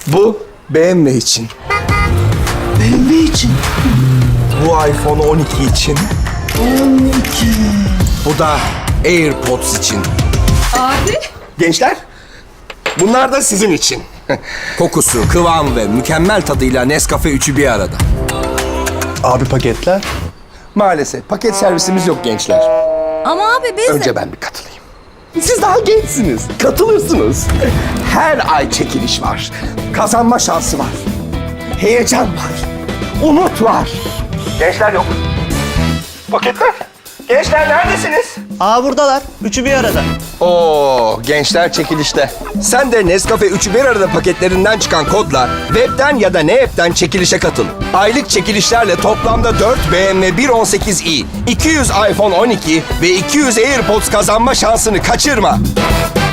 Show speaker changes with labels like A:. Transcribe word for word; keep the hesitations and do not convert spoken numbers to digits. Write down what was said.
A: Bu B M W için.
B: B M W için.
A: Bu iPhone on iki için.
B: on iki.
A: Bu da AirPods için.
C: Abi.
A: Gençler, bunlar da sizin için. Kokusu, kıvam ve mükemmel tadıyla Nescafe üçü bir arada.
B: Abi paketler.
A: Maalesef paket servisimiz yok gençler.
C: Ama abi biz
A: Önce ben bir katılayım. Siz daha gençsiniz. Katılırsınız. Her ay çekiliş var. Kazanma şansı var. Heyecan var. Umut var. Gençler yok. Paketler. Gençler neredesiniz?
B: Aa buradalar. Üçü bir arada.
A: Oo, gençler çekilişte. Sen de Nescafe üçü bir arada paketlerinden çıkan kodla webden ya da ne app'ten çekilişe katıl. Aylık çekilişlerle toplamda dört B M W bir on sekiz i, iki yüz iPhone on iki ve iki yüz AirPods kazanma şansını kaçırma.